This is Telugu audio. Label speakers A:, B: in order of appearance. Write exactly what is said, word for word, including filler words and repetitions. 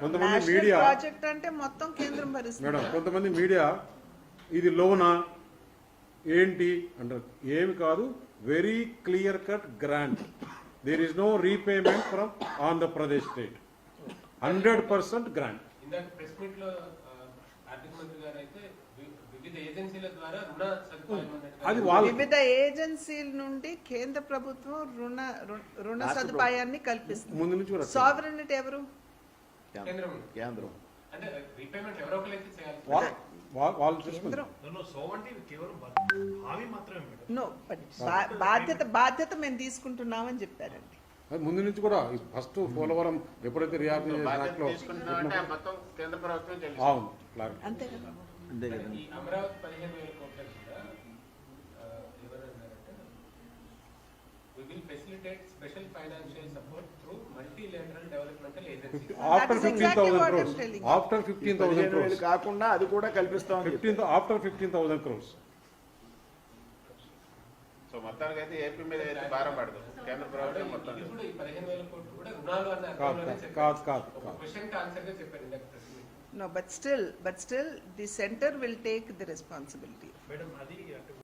A: కొంతమంది
B: నేషనల్
A: మీడియా
B: ప్రాజెక్ట్ అంటే మొత్తం కేంద్రం భరిస్తుంది.
A: మేడం కొంతమంది మీడియా ఇది లోనా ఏంటి అంటారు. ఏమి కాదు, very clear cut grant. There is no repayment from Andhra Pradesh state. Hundred percent grant.
C: ఇందాక ప్రెస్ మీట్ లో ఆర్థిక మంత్రి గారు అయితే వివిధ ఏజెన్సీల ద్వారా రుణ సదుపాయం అన్నట్టుగా
A: అది వాళ్ళ
B: వివిధ ఏజెన్సీల నుండి కేంద్ర ప్రభుత్వం రుణ రుణ- రుణ సదుపాయాన్ని కల్పిస్తుంది.
A: ముందు నుంచి కూడా
B: సావరెనిటీ ఎవరు?
C: కేంద్రం
D: కేంద్రం
C: అంటే రీపేమెంట్ ఎవరో ఒకరైతే చేయాలి.
A: వా- వా- వాళ్ళు చూసుకుంటారు.
B: కేంద్రం.
E: సోవంటి కేవలం హామీ మాత్రమే మేడం.
B: నో బా- బాధ్యత బాధ్యత మేము తీసుకుంటున్నామని చెప్పారండి.
A: అది ముందు నుంచి కూడా ఫస్ట్ పోలవరం ఎప్పుడైతే రియాక్ట్
F: బాధ్యత తీసుకుంటున్నామంటే మొత్తం కేంద్ర ప్రభుత్వం చెల్లిస్తుంది.
A: అవును క్లారిటీ.
B: అంతే కదా.
D: అంతే కదా.
C: ఈ అమరావతి పదిహేను వేల కోట్ల కూడా ఆ, ఎవరన్నారంటే we will facilitate special financial support through multilateral developmental agencies.
A: After
B: is
A: fifteen
B: exactly
A: thousand
B: what I'm
A: crores
B: telling.
A: After fifteen thousand
D: పదిహేను వేలు
A: క్రోర్స్
D: కాకుండా అది కూడా కల్పిస్తామని
A: fifteen after fifteen thousand crores
F: so మొత్తానికి అయితే ఏపీ మీద అయితే భారం పడదు కేంద్ర ప్రభుత్వం మొత్తం.
C: ఇది కూడా ఈ పదిహేను వేల కోట్లు కూడా రుణాలు అన్న
A: కాదు
C: అర్థంలోనే
A: కాదు
C: చెప్పారు.
A: కాదు కాదు
C: ఒక
A: కాదు
C: క్వశ్చన్ కి ఆన్సర్ గా చెప్పారు ఇందాక press meet.
B: No, but still, but still, the center will take the responsibility.
E: Madam అది అటు